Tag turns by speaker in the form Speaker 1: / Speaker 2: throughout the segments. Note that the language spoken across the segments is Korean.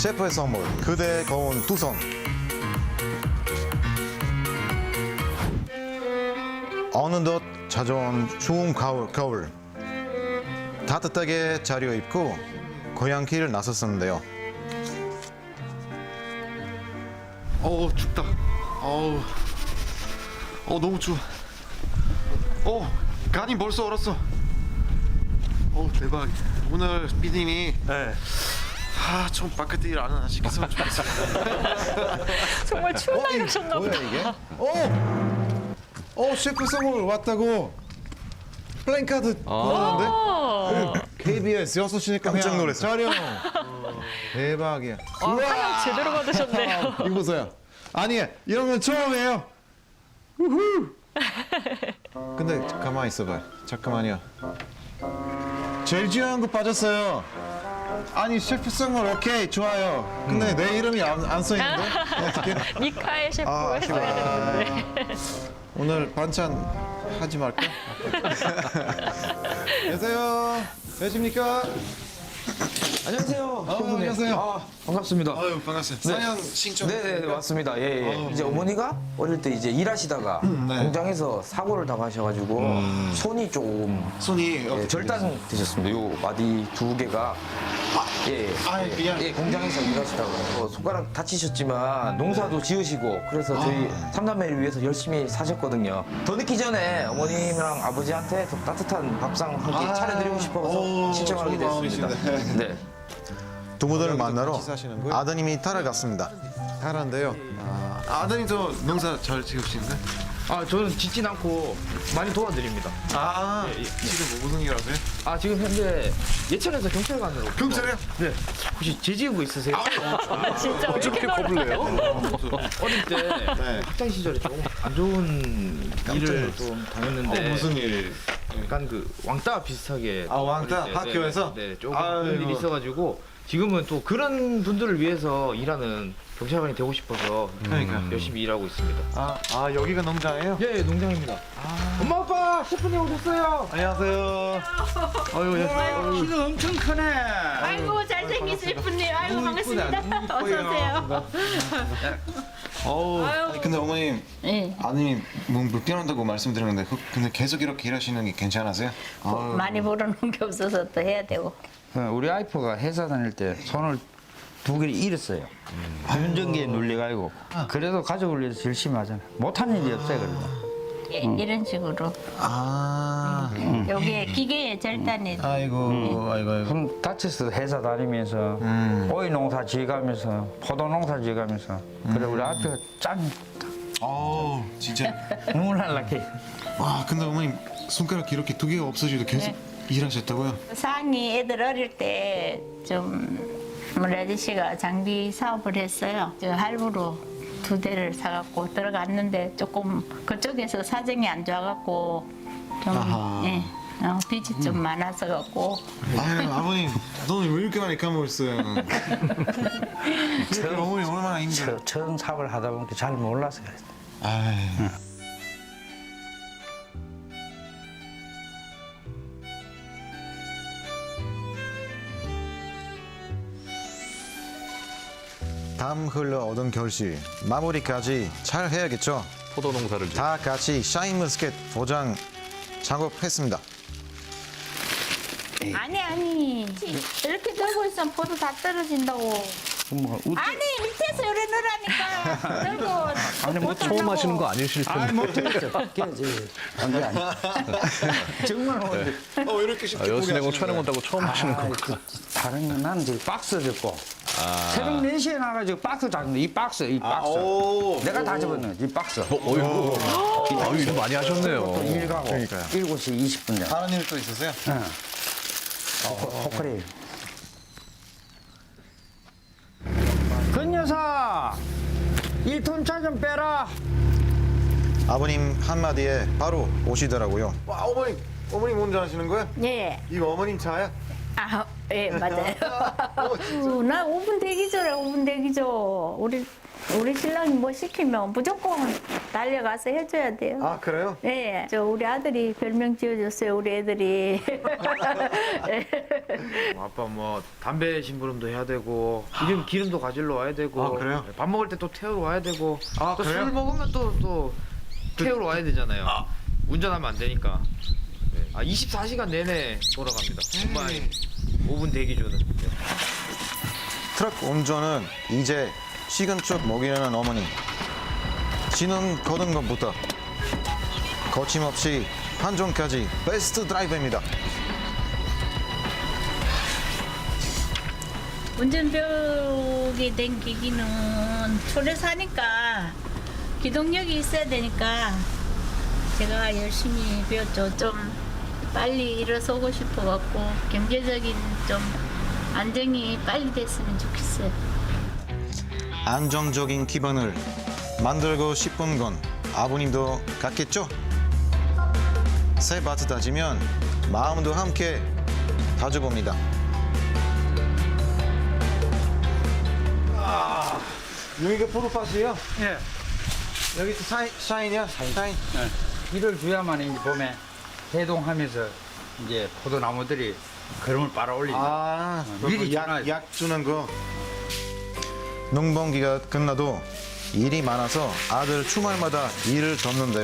Speaker 1: 셰프의 선물, 그대의 거운 두 손. 어느덧 찾아온 추운 겨울. 따뜻하게 차려입고 고향길을 나섰었는데요.
Speaker 2: 춥다. 너무 추워. 간이 벌써 얼었어. 대박. 오늘 피디님이 좀 바깥에 일 안 시켰으면 좋겠어.
Speaker 3: 정말 추운 날 가셨나 보다.
Speaker 1: 뭐야 이게? 셰프 선물 왔다고. 플랜카드 걸었는데? KBS 6시니까 깜짝 놀랐어. 촬영. 대박이야.
Speaker 3: 사연 제대로 받으셨네요.
Speaker 1: 이거 보세요. 아니, 이런 건 처음이에요. 우후. 근데 가만히 있어봐요. 잠깐만요. 제일 중요한 거 빠졌어요. 아니, 셰프 선물 오케이, 좋아요. 근데 내 이름이 안 써있는데? 어떻게?
Speaker 3: 미카엘 셰프가 했어야 되는데.
Speaker 1: 오늘 반찬 하지 말까? 안녕하세요. 계십니까?
Speaker 4: 안녕하세요.
Speaker 1: 안녕하세요.
Speaker 4: 반갑습니다.
Speaker 2: 아유, 반갑습니다. 사연 신청.
Speaker 4: 네네 맞습니다. 예. 이제 어머니가 어릴 때 이제 일하시다가 공장에서 사고를 당하셔가지고 손이 조금
Speaker 2: 손이
Speaker 4: 절단되셨습니다. 요 마디 두 개가
Speaker 2: 미안.
Speaker 4: 공장에서 일하시다가 손가락 다치셨지만 농사도 지으시고 그래서 저희 삼남매를 위해서 열심히 사셨거든요. 더 늦기 전에 어머님이랑 아버지한테 더 따뜻한 밥상 한 끼 차려드리고 싶어서 신청하게
Speaker 2: 좋은
Speaker 4: 됐습니다.
Speaker 2: 마음이신데.
Speaker 4: 네.
Speaker 1: 두 분을 만나러
Speaker 2: 같이 사시는 거예요?
Speaker 1: 아드님이 따라갔습니다.
Speaker 2: 잘한데요. 아드님도 농사 잘 지으시는데?
Speaker 4: 저는 짓진 않고 많이 도와드립니다.
Speaker 2: 지금 뭐 무슨 일 하세요?
Speaker 4: 지금 현재 예천에서 경찰관으로.
Speaker 2: 경찰이요?
Speaker 4: 네. 혹시 죄지은 있으세요?
Speaker 3: 진짜 왜 이렇게 놀라요?
Speaker 4: 어릴 때 학창 시절에 조금 안 좋은 일을 좀 당했는데
Speaker 2: 무슨 일?
Speaker 4: 약간 그 왕따 비슷하게
Speaker 2: 왕따?
Speaker 4: 어릴 때,
Speaker 2: 학교에서?
Speaker 4: 네, 조금
Speaker 2: 아이고.
Speaker 4: 그런 일이 있어가지고 지금은 또 그런 분들을 위해서 일하는 경찰관이 되고 싶어서
Speaker 2: 그러니까.
Speaker 4: 열심히 일하고 있습니다.
Speaker 2: 여기가 농장이에요?
Speaker 4: 예, 농장입니다. 엄마 아빠 셰프님 오셨어요.
Speaker 2: 안녕하세요.
Speaker 4: 키가 엄청 크네.
Speaker 3: 아이고 잘생긴 셰프님. 아이고 반갑습니다. 어서 오세요.
Speaker 2: 아니, 근데 어머님,
Speaker 3: 네.
Speaker 2: 아드님 몸 불편하다고 말씀드렸는데 근데 계속 이렇게 일하시는 게 괜찮으세요?
Speaker 3: 많이 벌어놓은 게 없어서 또 해야 되고.
Speaker 5: 우리 와이프가 회사 다닐 때 손을 두 개를 잃었어요. 유전기에 눌려가지고. 그래도 가족을 위해서 열심히 하잖아요. 못하는 일이 없어요, 그래도.
Speaker 3: 이런 식으로. 여기에 기계에 절단이.
Speaker 2: 아이고.
Speaker 5: 손 다쳐서 회사 다니면서 오이 농사 지어가면서 포도 농사 지어가면서 그래 우리 와이프가 짱
Speaker 2: 진짜.
Speaker 5: 눈물 날라게.
Speaker 2: 와, 근데 어머님 손가락 이렇게 두 개가 없어지도 계속 일하셨다고요?
Speaker 3: 상이 애들 어릴 때 좀 우리 아저씨가 장비 사업을 했어요. 저 할부로 2대를 사갖고 들어갔는데 조금 그쪽에서 사정이 안 좋아갖고 좀 빚이 좀 많아서 갖고
Speaker 2: 아유, 아버님 돈을 왜 이렇게 많이 까먹었어요? 어머니 얼마나 힘들어.
Speaker 5: 처음 사업을 하다 보니까 잘 몰라서 그랬어요.
Speaker 2: 아유.
Speaker 1: 땀 흘러 얻은 결실 마무리까지 잘 해야겠죠.
Speaker 6: 포도 농사를
Speaker 1: 다 같이 샤인머스켓 포장 작업했습니다.
Speaker 3: 아니 이렇게 들고 있으면 포도 다 떨어진다고. 아니 밑에서 요래 넣으라니까 들고.
Speaker 5: 아니 뭐
Speaker 6: 처음 하시는 거 아니실 텐데.
Speaker 5: 못했죠. 깨지. 안돼 아니. 정말 오늘
Speaker 2: 이렇게 쉽게 포기하시는
Speaker 6: 여수냉고 촬영
Speaker 2: 거예요?
Speaker 6: 온다고 처음 하시는 거.
Speaker 5: 다른 건 나는 지금 박스 듣고 새벽 4시에 나가지고 박스 잡는데 이 박스 내가 다 집었네 이 박스
Speaker 6: 일 많이 하셨네요.
Speaker 5: 일 가고 7시 20분 전
Speaker 2: 다른 일 또 있으세요?
Speaker 5: 포크레일 근 여사 1톤 차 좀 빼라
Speaker 1: 아버님 한마디에 바로 오시더라고요.
Speaker 2: 와, 어머님 먼저 하시는 거예요?
Speaker 3: 예.
Speaker 2: 이거 어머님 차야?
Speaker 3: 예, 맞아요. 나 5분 대기죠래, 5분 대기죠. 우리 우리 신랑이 뭐 시키면 무조건 달려가서 해줘야 돼요.
Speaker 1: 아 그래요?
Speaker 3: 네, 저 우리 아들이 별명 지어줬어요. 우리 애들이.
Speaker 4: 아빠 뭐 담배 심부름도 해야 되고 기름도 가지러 와야 되고
Speaker 1: 아, 그래요?
Speaker 4: 밥 먹을 때 또 태우러 와야 되고
Speaker 1: 아,
Speaker 4: 또
Speaker 1: 그래요?
Speaker 4: 술 먹으면 또 태우러 와야 되잖아요. 운전하면 안 되니까. 네. 24시간 내내 돌아갑니다. 정말 5분 대기 주는. 네.
Speaker 1: 트럭 운전은 이제 시근축 먹이려는 어머니. 신혼 거둔 것부터 거침없이 판정까지 베스트 드라이버입니다.
Speaker 3: 운전 배우게 된 계기는 초래 사니까 기동력이 있어야 되니까 제가 열심히 배웠죠. 좀 빨리 일어서고 싶어갖고 경제적인 좀 안정이 빨리 됐으면 좋겠어요.
Speaker 1: 안정적인 기반을 만들고 싶은 건 아버님도 같겠죠? 새 밭을 다지면 마음도 함께 다져봅니다. 여기가 포도밭이에요?
Speaker 5: 예.
Speaker 1: 여기 또 샤인이야? 샤인.
Speaker 5: 비를 줘야만 이제 봄에 해동하면서 이제 포도나무들이 걸음을 빨아 올린다.
Speaker 1: 아,
Speaker 5: 미리
Speaker 1: 약 주는 거. 농번기가 끝나도 일이 많아서 아들 주말마다 일을 돕는데요.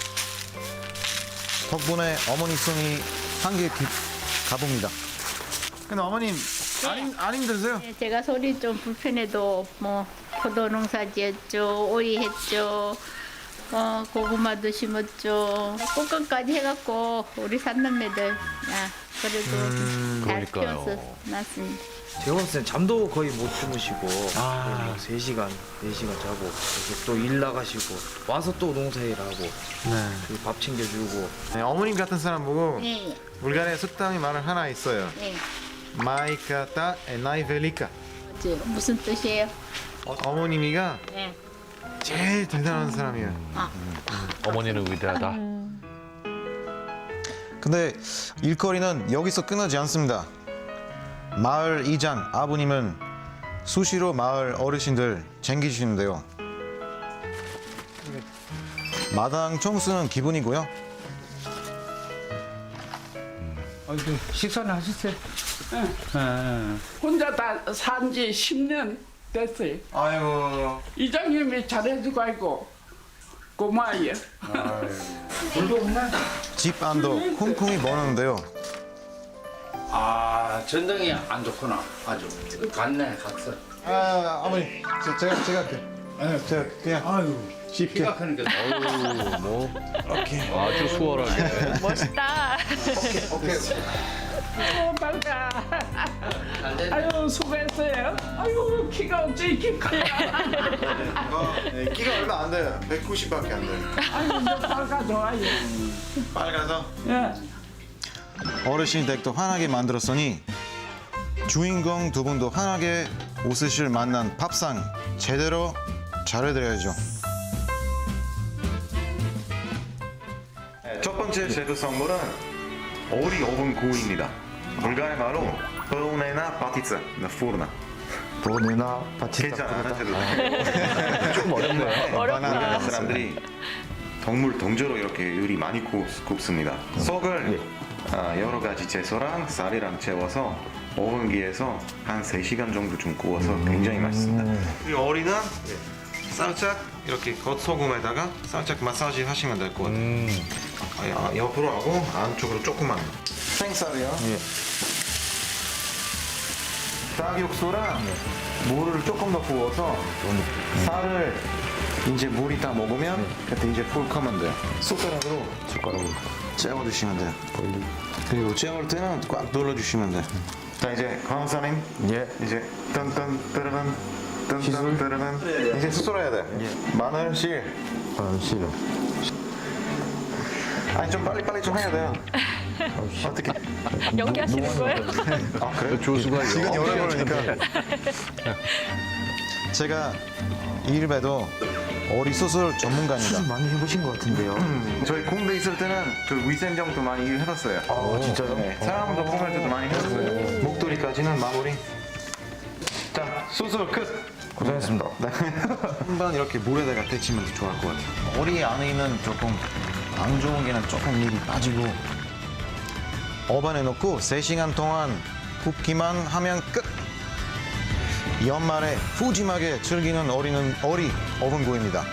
Speaker 1: 덕분에 어머니 손이 한개 가봅니다. 근데 어머님 안 힘드세요?
Speaker 3: 네, 제가 소리 좀 불편해도 뭐 포도 농사 지었죠, 오이 했죠, 고구마도 심었죠, 꽃감까지 해갖고 우리 삼남매들 그래도 잘
Speaker 6: 그러니까요.
Speaker 3: 키워서 났습니다.
Speaker 4: 제가 봤을 땐 잠도 거의 못 주무시고 3시간, 4시간 자고 그래서 또 일 나가시고 와서 또 농사일 하고 그밥 챙겨주고
Speaker 1: 네, 어머님 같은 사람 보고
Speaker 3: 네,
Speaker 1: 불가리아 속담이 말을 하나 있어요.
Speaker 3: 네.
Speaker 1: 마이카타 에나이 벨리카.
Speaker 3: 무슨 뜻이에요?
Speaker 1: 어머님이가
Speaker 3: 네.
Speaker 1: 제일 대단한 사람이에요.
Speaker 6: 어머니는 위대하다.
Speaker 1: 근데 일거리는 여기서 끝나지 않습니다. 마을 이장 아버님은 수시로 마을 어르신들 챙기시는데요. 마당 청소는 기본이고요.
Speaker 5: 식사는 하셨어요?
Speaker 7: 혼자 다 산 지 10년 됐어요.
Speaker 1: 아이고.
Speaker 7: 이장님이 잘해주고 아이고 고마워요.
Speaker 1: 집 안도 쿵쿵이 버는데요.
Speaker 5: 아 전등이 안 좋구나. 아주 갔네 갔어.
Speaker 1: 아 어머니 제가 할게. 제가 그냥
Speaker 5: 아유
Speaker 1: 쉽게.
Speaker 5: 키가 크니까.
Speaker 6: 어우, 뭐 아주 수월하게.
Speaker 8: 멋있다.
Speaker 1: 오케이.
Speaker 7: 빨가. 아유 수고했어요. 아유 키가 어째 이렇게 커요.
Speaker 1: 네, 키가 얼마 안 돼요. 190밖에 안 돼요.
Speaker 7: 아유 이제 빨가 좋아요.
Speaker 1: 빨가서.
Speaker 7: 예.
Speaker 1: 어르신 댁도 환하게 만들었으니 주인공 두 분도 환하게 웃으실 만난 밥상 제대로 차려드려야죠. 첫 번째 제주 선물은 오리 오븐 구이입니다. 불가리 말로 보네나 바티츠 나 푸르나.
Speaker 2: 보내나 바치다.
Speaker 1: 괜찮아 안 하셔도 돼.
Speaker 6: 좀 어렵네요.
Speaker 8: 어렵다.
Speaker 1: 사람들이 동물 동조로 이렇게 요리 많이 굽습니다. 속을 여러 가지 채소랑 쌀이랑 채워서 오븐기에서 한 3시간 정도 좀 구워서 굉장히 맛있습니다. 이 오리는 살짝 이렇게 겉소금에다가 살짝 마사지 하시면 될 것 같아요. 옆으로 하고 안쪽으로 조금만. 생쌀이요? 예. 닭육수랑 물을 조금 더 부어서 쌀을 이제 물이 다 먹으면 그때 이제 풀커면 돼요. 숟가락으로 째워주시면 돼요. 그리고 째울 때는 꽉 눌러주시면 돼요. 자 이제 강사님 이제 뜬뜬 뜨르는 뜬뜬 뜨르는 이제 수술해야 돼. 마늘 씨. 아니 좀 빨리 좀 해야 돼요. 어떻게?
Speaker 8: 연기하시는 거예요?
Speaker 1: 아 그래요?
Speaker 6: 조수가
Speaker 1: 시간이 오래 걸리니까. 제가 일배도 오리 수술 전문가입니다.
Speaker 2: 많이 해보신 것 같은데요.
Speaker 1: 저희 공대 있을 때는 그 위생정도 많이 일해봤어요.
Speaker 2: 아 진짜요?
Speaker 1: 네, 사람도 뽑을 때도 많이 해봤어요. 목도리까지는 마무리. 자 수술 끝.
Speaker 4: 고생했습니다.
Speaker 1: 한번 이렇게 물에다가 데치면 더 좋을 것 같아요. 오리 안에 있는 조금 안 좋은 게는 조금 미리 빠지고 어반에 넣고 3시간 동안 굽기만 하면 끝! 연말에 푸짐하게 즐기는 오리 어분구이입니다.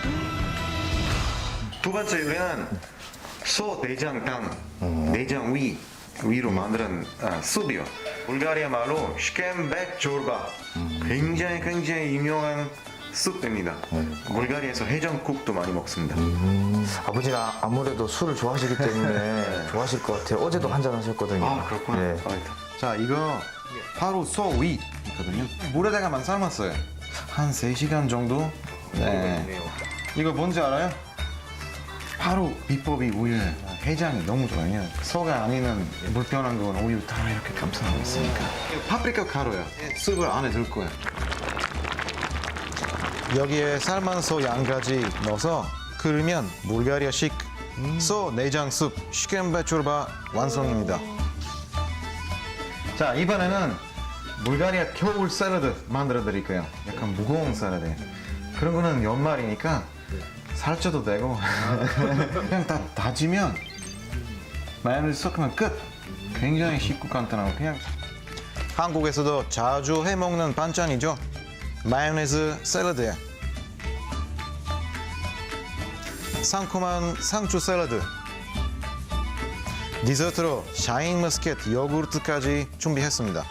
Speaker 1: 두 번째 요리는 소 내장탕, 내장 위로 만든 숲이요. 불가리아 말로 슈켐백 조르바. 굉장히 유명한 숲입니다. 불가리아에서 해장국도 많이 먹습니다.
Speaker 4: 아버지는 아무래도 술을 좋아하시기 때문에 좋아하실 것 같아요. 어제도 한잔 하셨거든요.
Speaker 1: 아, 그렇구나.
Speaker 4: 네.
Speaker 1: 자, 이거 바로 소 위거든요. 물에다가만 삶았어요. 한 3시간 정도. 네. 이거 뭔지 알아요? 바로 비법이 우유. 해장이 너무 좋아요. 소가 아니면 불편한 건 우유 다 이렇게 감싸고 있으니까. 이거 파프리카 가루요. 쑥을 안에 넣을 거예요. 여기에 삶은 소 양가지 넣어서 끓이면 불가리아식 소 내장 숲 슈켐백 조르바 완성입니다. 자, 이번에는 불가리아 겨울 샐러드 만들어 드릴 거예요. 약간 무거운 샐러드. 그런 거는 연말이니까 살쪄도 되고 그냥 다 다지면 마요네즈 섞으면 끝. 굉장히 쉽고 간단하고 그냥 한국에서도 자주 해 먹는 반찬이죠. 마요네즈 샐러드에 상큼한 상추 샐러드, 디저트로 샤인머스켓 요구르트까지 준비했습니다.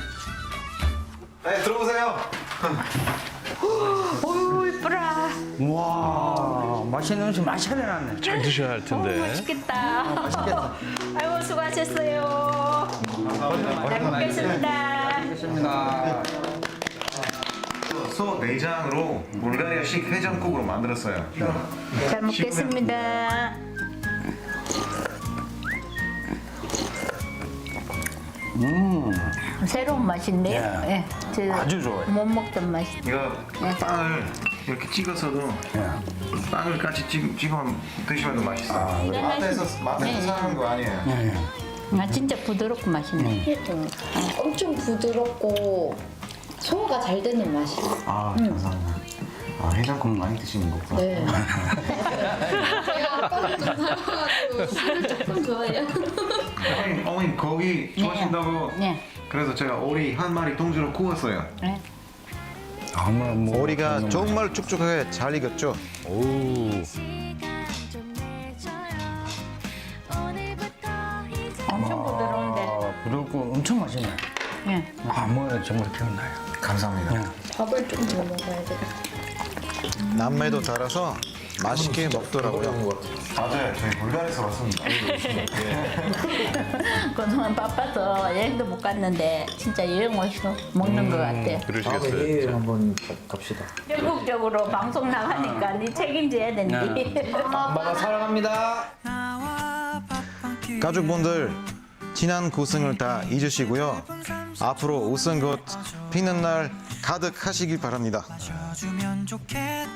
Speaker 1: 네, 들어오세요.
Speaker 3: 오, 이쁘라.
Speaker 5: 와, 맛있는 음식 많이 차려놨네.
Speaker 6: 잘 드셔야 할 텐데.
Speaker 3: 맛있겠다. 아이고, 수고하셨어요. 잘 먹겠습니다.
Speaker 5: 알겠습니다.
Speaker 1: 소 내장으로 불가리아식 해장국으로 만들었어요.
Speaker 3: 잘 먹겠습니다. 새로운 맛인데요. 예. 저
Speaker 5: 아주 좋아요.
Speaker 3: 못 먹던 맛이.
Speaker 1: 이거 빵을 이렇게 찍어서도 빵을 같이 찍어 드시면 더 맛있어요. 마트에서 사는 거 아니에요.
Speaker 3: 아, 진짜 부드럽고 맛있네.
Speaker 9: 엄청 부드럽고 소화가 잘 되는 맛이에요.
Speaker 1: 아, 감사합니다. 아, 해장국 많이 드시는 거구나.
Speaker 9: 네. 제가 아빠를 좀 닮아가지고 술을 조금 좋아해요.
Speaker 1: 어머니 고기 좋아하신다고
Speaker 3: 네.
Speaker 1: 그래서 제가 오리 한 마리 통째로 구웠어요.
Speaker 3: 네.
Speaker 1: 오리가 정말 촉촉하게 잘 익었죠.
Speaker 3: 엄청 부드러운데.
Speaker 5: 아, 부럽고 엄청 맛있네.
Speaker 3: 예.
Speaker 5: 아, 뭐 정말 기억나요.
Speaker 1: 감사합니다.
Speaker 9: 밥을 좀 더 먹어야 돼.
Speaker 1: 남매도 따라서 맛있게 먹더라고요. 맞아요. 저희 불가리아에서 왔습니다.
Speaker 3: 그동안 바빠서 여행도 못 갔는데 진짜 여행 와서 먹는 것 같아요.
Speaker 6: 그러시겠어요.
Speaker 4: 한번 갑시다.
Speaker 3: 전국적으로 방송 나가니까 네 책임져야 된대.
Speaker 4: 엄마가 사랑합니다.
Speaker 1: 가족분들 지난 고생을 다 잊으시고요. 앞으로 웃은 것 피는 날 가득하시길 바랍니다.
Speaker 10: 주면 좋겠다.